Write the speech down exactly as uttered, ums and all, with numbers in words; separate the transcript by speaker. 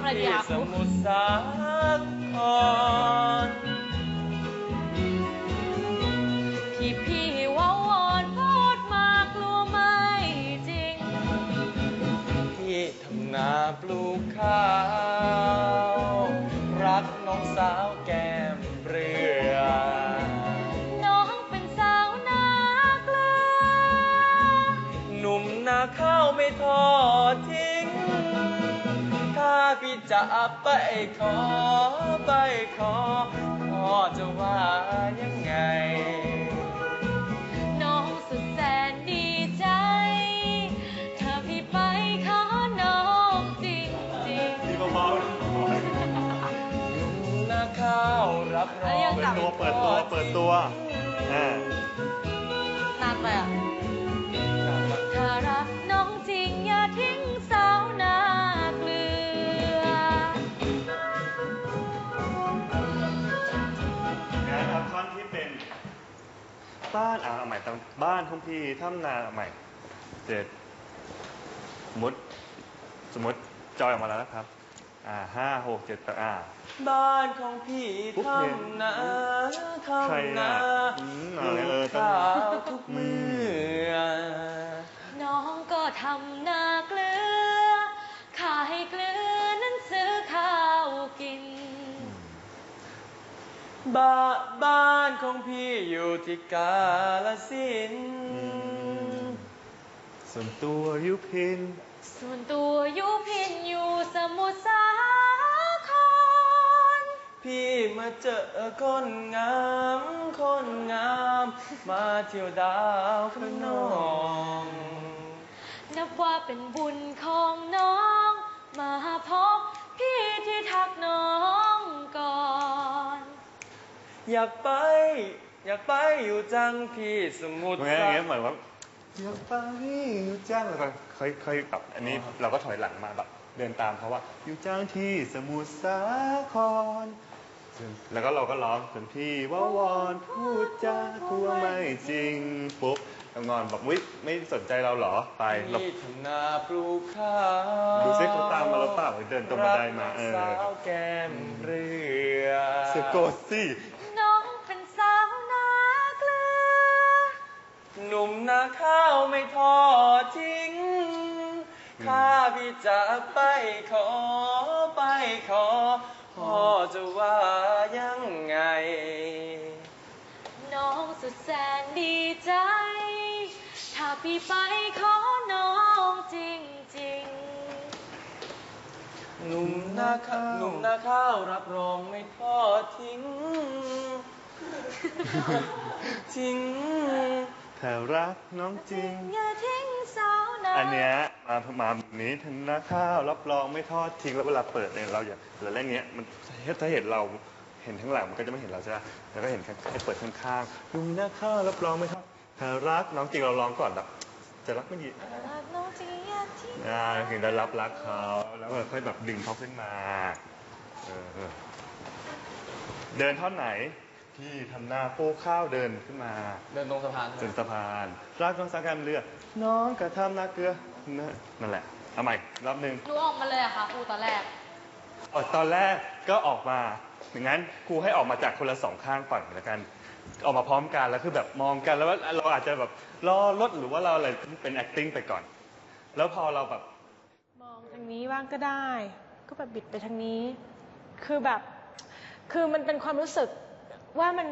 Speaker 1: อะไรดีคะ
Speaker 2: สมุทรสาคร
Speaker 1: ที่พี่ว่าวอนพูดมากลัวไม่จริง
Speaker 2: ที่ทำนาปลูกข้าวรักน้องสาวแก้มเรือ
Speaker 1: น้องเป็นสาวนาเกลือ
Speaker 2: หนุ่มนาข้าวไม่ทอดทิ้งถ้าพี่จะไปขอไปขอพ่อจะว่ายังไง
Speaker 1: น้องสุดแสนดีใจถ้าพี่ไปขอน้องจริงจริง
Speaker 3: ดีเบาๆ
Speaker 2: นาข้าวรับรอง
Speaker 3: เปิดตัวเปิดตัวเปิดตัวอ่
Speaker 1: านานไปอ่ะถ้ารักน้องจริงอย่าทิ้งสาวนาเกลือ
Speaker 3: นะครับท่อนที่เป็นบ้านอ่าใหม่ตั้งบ้านของพี่ทำนาใหม่เจ็ดสมมติสมมติจอยออกมาแล้วนะครับอ่าห้าหกเจ็ดแปดอ่า
Speaker 2: บ้านของพี่ทำนาทำนาปลูกข้าวทุกมือ
Speaker 1: น้องก็ทำนาเกลือขายเกลือนั้นซื้อข้าวกิน
Speaker 2: บ้าบ้านของพี่อยู่ที่กาฬสินธุ์
Speaker 3: ส่วนตัวยุพิน
Speaker 1: ส่วนตัวยุพินอยู่สมุทรสาคร
Speaker 2: พี่มาเจอคนงามคนงามมาเที่ยวดาวพระนอง
Speaker 1: นับว่าเป็นบุญของน้องมาพบพี่ที่ทักน้องก่อน
Speaker 2: อยากไปอยากไปอยู่จังพี่สมุทร
Speaker 3: สาครอย่างเงี้ยเหมือนว่าอยากไปอยู่จังแล้วก็ค่อยค่อยแบบอันนี้เราก็ถอยหลังมาแบบเดินตามเขาว่าอยู่จังที่สมุทรสาครแล้วก็เราก็ร้องจนพี่ว่าวอนพูดจากลัวไม่จริงปุ๊บแล้วงอนแบบวิไม่สนใจเราเหรอไปเรา
Speaker 2: ทำนาปลูกข้าว
Speaker 3: ดูซิเขาตามมาแล้วเปล่าเดินตรงบันไดมาเออ
Speaker 2: สาวแก้มเรือ
Speaker 3: สะกดสิ
Speaker 1: น้องเป็นสาวนาเกลือ
Speaker 2: หนุ่มนาข้าวไม่ทอดทิ้งข้าพี่จะไปขอไปขอพ่อจะว่ายังไง
Speaker 1: น้องสุดแสนดีใจถ้าพี่ไปขอน้องจริงจริง
Speaker 2: หนุ่มนาข้าวหนุ่มนาข้าวรับรองไม่ทอดทิ้งทิ้ง
Speaker 3: ถ้ารักน้องจริง
Speaker 1: อย่าทิ้งสาวนา
Speaker 3: อันเนี้ยมามาแบบนี้ทำนาข้าวรับรองไม่ทอดทิ้งแล้วเวลาเปิดเนี่ยเราอย่าเราเล่นเงี้ยมันถ้าเห็นเราเห็นข้างหลังมันก็จะไม่เห็นเราใช่ไหมแล้วก็เห็นให้เปิดข้างๆลุงนาข้าวรับรองไม่ทอดถ้ารักน้องจริงเราร้องก่อนแบบจะรักไม่ดี
Speaker 1: รักน้องจริงอย่าทิ้ง
Speaker 3: อ่าถึงจะรับรักเขาแล้วค่อยแบบดึงเขาขึ้นมาเออเดินท่อนไหนที่ทำหน้าโป้ข้าวเดินขึ้นมา
Speaker 2: เดินตรงสะพาน
Speaker 3: ถึงสะพานรักน้องสักการเรือน้องกระทำนาเกลือนั่นแหละเอาใหม่รอบนึง
Speaker 1: หนูออกมาเลยอะค่ะครูตอนแรก
Speaker 3: อ๋อตอนแรกก็ออกมาอย่างนั้นครูให้ออกมาจากคนละสองข้างก่อนแล้วกันออกมาพร้อมกันแล้วคือแบบมองกันแล้วว่าเราอาจจะแบบรอรถหรือว่าเราอะไรเป็น acting ไปก่อนแล้วพอเราแบบ
Speaker 4: มองทางนี้บ้างก็ได้ก็แบบบิดไปทางนี้คือแบบคือมันเป็นความรู้สึกว่ามัน